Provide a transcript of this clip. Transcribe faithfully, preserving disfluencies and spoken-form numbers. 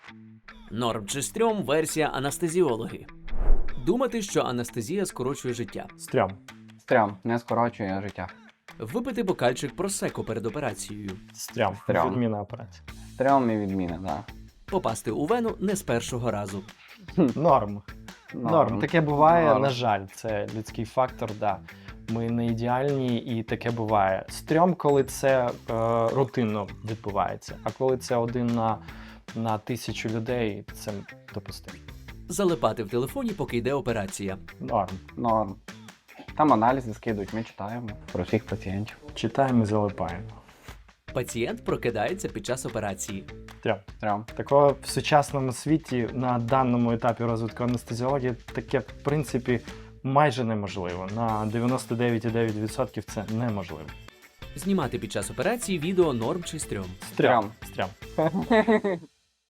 Норм чи стрьом – версія анестезіологи. Думати, що анестезія скорочує життя. Стрьом. Стрьом, не скорочує життя. Випити бокальчик просеко перед операцією. Стрьом. Стрьом. Відміна операції. Стрьом і відміна, так. Попасти у вену не з першого разу. Норм. Да. Норм. Таке буває, Норм. на жаль, це людський фактор, да. Ми не ідеальні і таке буває. Стрьом, коли це е, рутинно відбувається, а коли це один на, на тисячу людей, це допустимо. Залипати в телефоні, поки йде операція. Норм. Норм. Там аналізи скидують, ми читаємо про всіх пацієнтів. Читаємо і залипаємо. Пацієнт прокидається під час операції. Стрьом. Стрьом. Такого в сучасному світі на даному етапі розвитку анестезіології таке, в принципі, майже неможливо. На дев'яносто дев'ять цілих дев'ять десятих відсотка це неможливо. Знімати під час операції відео норм чи стрьом. Стрьом. Стрьом.